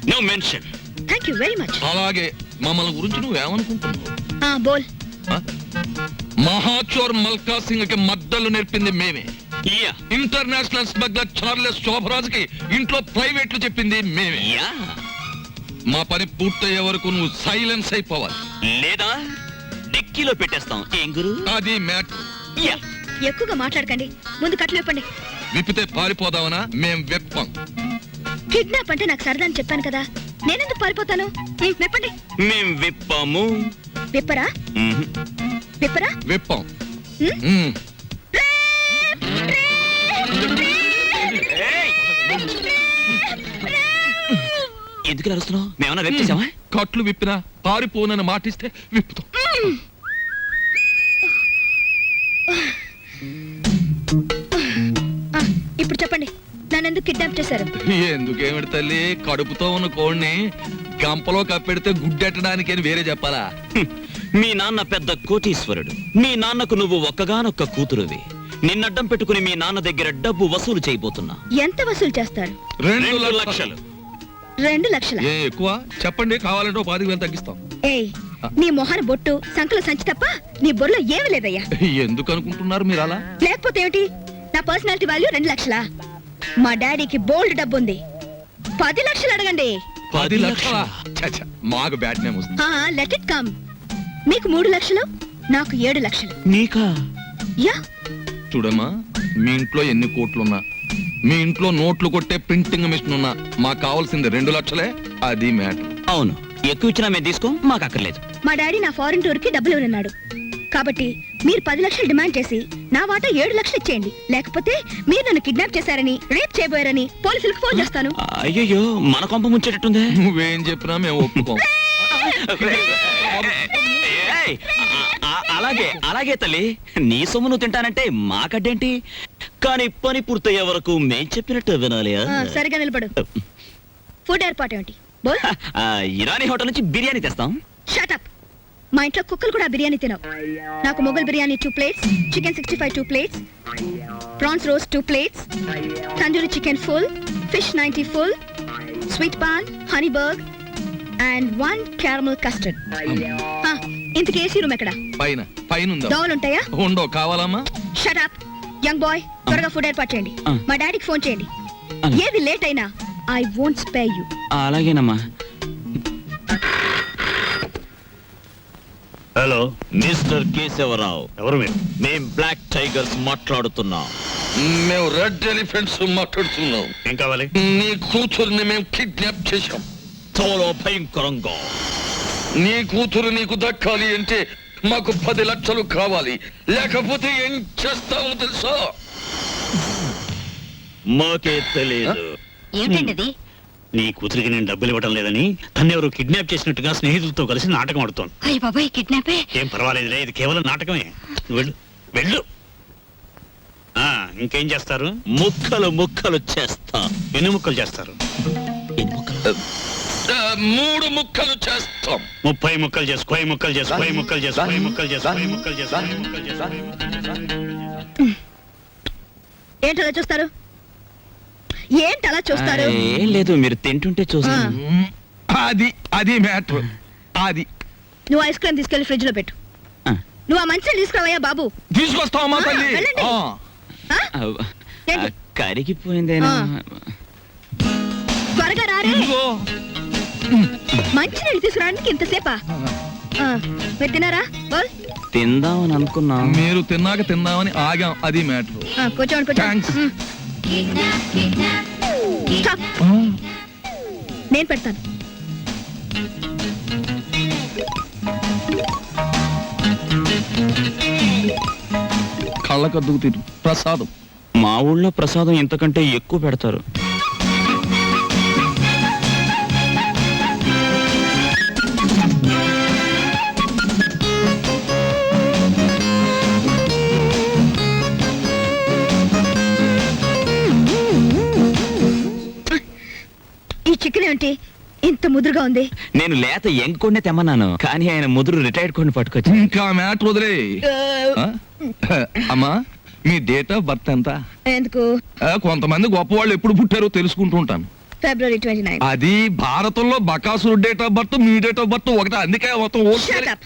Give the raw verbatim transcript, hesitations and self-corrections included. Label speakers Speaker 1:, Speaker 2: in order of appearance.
Speaker 1: No mention.
Speaker 2: Thank you very much.
Speaker 3: అలాగే మమ్మల్ని గురించి నువ్వేమనుకుంటున్నావు?
Speaker 2: ఆ బోల్.
Speaker 3: మహాచోర్ మల్కా సింగ్ కి మద్దలు నేర్పింది మేమే.
Speaker 1: యా
Speaker 3: ఇంటర్నేషనల్ స్మగ్లర్ చార్లెస్ శోభరాజ్కి ఇంట్లో ప్రైవేట్లు చెప్పింది మేమే.
Speaker 1: యా
Speaker 3: మా పని పూర్తయ్యే వరకు నువ్వు సైలెన్స్ అయిపోవాలి,
Speaker 1: లేదా డిక్కీలో పెట్టేస్తాం. ఏం గురు?
Speaker 3: అది మ్యాటర్.
Speaker 1: యా
Speaker 2: ఎక్కువగా మాట్లాడకండి, ముందు కట్లు విప్పండి.
Speaker 3: విప్పితే పారిపోదామనా? మేం వెప్పం.
Speaker 2: కిడ్నాప్ అంటే నాకు సరదా అని చెప్పాను కదా, నేనెందుకు పారిపోతాను? ఉమ్, విప్పండి.
Speaker 1: మేం విప్పాము.
Speaker 2: విప్పరా?
Speaker 1: మ్మ్.
Speaker 2: విప్పరా?
Speaker 3: వెప్పం.
Speaker 2: ఉమ్?
Speaker 3: ఉమ్.
Speaker 1: ఏయ్! ఎందుకు ఇలా అరుస్తున్నావు? మేమన్నా వెప్ చేసామా?
Speaker 3: కట్లు విప్పినా పారిపోనని మాటిస్తే విప్పుతాం.
Speaker 2: ఆ, ఇప్పుడు చెప్పండి, నన్నెందుకు కిడ్నాప్ చేశారు?
Speaker 3: ఎందుకేమిటి తల్లి, కడుపుతో ఉన్న కోడిని గంపలో కప్పెడితే గుడ్డెట్టడానికి అని వేరే చెప్పాలా?
Speaker 1: హ్మ్. మీ నాన్న పెద్ద కోటీశ్వరుడు. మీ నాన్నకు నువ్వు ఒక్కగానొక్క కూతురువి. నిన్నడ్డం పెట్టుకుని మీ నాన్న దగ్గర డబ్బు వసూలు చేయబోతున్నా.
Speaker 2: ఎంత వసూలు చేస్తారు?
Speaker 3: రెండు
Speaker 1: రెండు
Speaker 3: లక్షలు.
Speaker 1: లక్షలు.
Speaker 2: రెండు లక్షల?
Speaker 3: ఏ ఎక్కువ చెప్పండి, కావాలంటే ఓ పాతిక వేలు తగ్గిస్తాం.
Speaker 2: ఏయ్, నీ మొహన బొట్టు సంకల సంచి తప్ప నీ బొర్రలో ఏమి లేదయ్యా.
Speaker 3: ఎందుకు అనుకుంటున్నారు మీరు అలా?
Speaker 2: లేకపోతే ఏమిటి? నా పర్సనాలిటీ వాల్యూ రెండు లక్షలా? మా డాడీకి బోల్డ్ డబ్బు ఉంది, పది లక్షలు అడగండి.
Speaker 3: పది లక్షల? మాకు బ్యాట్ నేమ్ వస్తుంది.
Speaker 2: Let it come. మీకు మూడు లక్షలు, నాకు ఏడు లక్షలు.
Speaker 1: నీకా?
Speaker 2: యా.
Speaker 3: చూడమ్మా, మీ ఇంట్లో ఎన్ని కోట్లున్నా, మీ ఇంట్లో నోట్లు కొట్టే ప్రింటింగ్ మిషన్ ఉన్నా, మాకు కావాల్సింది రెండు లక్షలే. అది మ్యాటర్.
Speaker 1: అవును, ఎక్కువ ఇచ్చినా మేము తీసుకో, మాకు అక్కర్లేదు.
Speaker 2: మా డాడీ నా ఫారెన్ టూర్ కి డబ్బులు ఉన్నాడు కాబట్టి మీరు పది లక్షలు డిమాండ్ చేసి నా వాటా ఏడు లక్షలు ఇచ్చేయండి. లేకపోతే మీరు నన్ను కిడ్నాప్ చేశారని, రేప్ చేయబోయారని పోలీసులకు ఫోన్ చేస్తాను.
Speaker 1: అయ్యో, మన కొంప ముంచేటట్టుందే.
Speaker 3: నువ్వేం చెప్పినా మేము ఒప్పుకోం.
Speaker 1: ఏయ్, ఆ- ఆ- అలాగే అలాగే తల్లి, నీ సొమ్ము నువ్వు తింటానంటే మాకడ్డేంటి? కానీ పని పూర్తయ్యే వరకు మేం చెప్పినట్టు వినాలి.
Speaker 2: ఆ, సరిగా నిలబడు. ఫుడ్ ఏర్పాటు ఏమిటి? బోల్.
Speaker 1: ఆ, ఇరానీ హోటల్ నుంచి బిర్యానీ తెస్తాం.
Speaker 2: Shut up. మా ఇంట్లో కుక్కలు కూడా బిర్యానీ తినవు. నాకు Mughal biryani two plates, chicken sixty five two plates, prawns roast two plates, tandoori chicken full, fish ninety full, sweet paan, honey burg and one caramel custard. ఇంతకీ ఏసీ రూమ్ ఎక్కడ?
Speaker 3: పైన పైన ఉందా?
Speaker 2: దోవలు ఉంటాయా?
Speaker 3: ఉండో. కావాలమ్మా?
Speaker 2: షట్ అప్ యంగ్ బాయ్, త్వరగా ఫుడ్ ఏర్పాటు చేయండి.
Speaker 1: ఆ.
Speaker 2: మా డాడీకి ఫోన్ చేయండి.
Speaker 1: అలాగే.
Speaker 2: ఏది లేట్ అయినా ఐ వోంట్ స్పేర్ యు.
Speaker 1: అలాగేనమ్మా.
Speaker 4: హలో,
Speaker 1: మిస్టర్ కేశవరావు,
Speaker 4: ఎవరు మీరు?
Speaker 1: మేం బ్లాక్ టైగర్స్ మాట్లాడుతున్నాం.
Speaker 3: మేము రెడ్ ఎలిఫెంట్స్ మాట్లాడుతున్నాం.
Speaker 4: ఏం కావాలి?
Speaker 3: నీ కూతుర్ని మేము కిడ్నాప్ చేశాం.
Speaker 1: చాలా భయంకరంగా.
Speaker 3: నీ కూతురు నీకు దక్కాలి అంటే మాకు పది లక్షలు కావాలి, లేకపోతే ఏం చేస్తావో తెలుసా?
Speaker 1: మాకే తెలియదు.
Speaker 2: ఏమిటండి?
Speaker 4: నీ కూతురికి నేను డబ్బులు ఇవ్వడం లేదని తను ఎవరు కిడ్నాప్ చేసినట్టుగా స్నేహితులతో కలిసి నాటకం ఆడుతోంది.
Speaker 2: అయ్య బాబాయ్, కిడ్నాపే?
Speaker 4: ఏం పర్వాలేదులే, ఇది కేవలం నాటకమే. నువ్వు వెళ్ళు వెళ్ళు. ఆ, ఇంకేం చేస్తారు?
Speaker 1: ముక్కలు ముక్కలు చేస్తా.
Speaker 4: ఎన్ని ముక్కలు చేస్తారు?
Speaker 1: ఎన్ని ముక్కలు?
Speaker 3: ఆ, మూడు ముక్కలు చేస్తాం.
Speaker 4: ముప్పై ముక్కలు చేసు, కోయి ముక్కలు చేసు, కోయి ముక్కలు చేసు, కోయి ముక్కలు చేసు, కోయి ముక్కలు చేసు, కోయి ముక్కలు చేసు.
Speaker 2: ఏంటలా చూస్తారు? ఏంటలా చూస్తారు?
Speaker 1: ఆ, ఏం లేదు, మీరు తింటుంటే చూస్తా.
Speaker 3: మ్, అది అది మ్యాటర్. అది
Speaker 2: నువ్వు ఐస్ క్రీమ్ తీసుకెళ్లి ఫ్రిడ్జ్ లో పెట్టు.
Speaker 1: ఆ.
Speaker 2: నువ్వు ఆ మంచిని తీసుకురావయ్యా బాబు.
Speaker 3: తీసుకొస్తావమ్మా
Speaker 2: ఆ,
Speaker 3: తల్లి.
Speaker 2: వెళ్ళండి.
Speaker 3: ఆ.
Speaker 2: ఆ?
Speaker 1: ఆ,
Speaker 2: ఏంటి?
Speaker 1: కరిగిపోయిందేనా?
Speaker 2: ఆ. త్వరగా రారే.
Speaker 3: ఇదిగో.
Speaker 2: మంచి నీళ్ళు తీసుకురావడానికి ఇంతసేపా? ఆ, మీరు తినారా? బోల్.
Speaker 1: తిందామని అనుకున్నా.
Speaker 3: మీరు తిన్నాక తిందామని ఆగాం. అది మ్యాటర్.
Speaker 2: ఆ, కూర్చోండి కూర్చోండి.
Speaker 3: థాంక్స్.
Speaker 2: మ్. స్టాప్. నేను పెడతాను.
Speaker 3: కళ్ళకద్దుకు తిరు ప్రసాదం.
Speaker 1: మా ఊళ్ళో ప్రసాదం ఇంతకంటే ఎక్కువ పెడతారు.
Speaker 2: ఈ చికెన్ ఏంటి ఇంత ముదురుగా ఉంది?
Speaker 1: నేను లేత యంగ్ కొండే తెమ్మన్నాను, కానీ ఆయన ముదురు రిటైర్డ్ కొండి పట్టుకొచ్చి.
Speaker 3: ఇంకా మ్యాటర్ వదిలే. ఆ? అమ్మా, మీ డేట్ ఆఫ్ బర్త్ ఎంత?
Speaker 2: ఎందుకు?
Speaker 3: ఆ, కొంతమంది గొప్ప వాళ్ళు ఎప్పుడు పుట్టారో తెలుసుకుంటూ ఉంటాను.
Speaker 2: February twenty nine.
Speaker 3: అది భారతంలో బకాసురు డేట్ ఆఫ్ బర్త్ మీ డేట్ ఆఫ్ బర్త్ ఒకటే, అందుకే మొత్తం ఓకే.
Speaker 2: Shut up.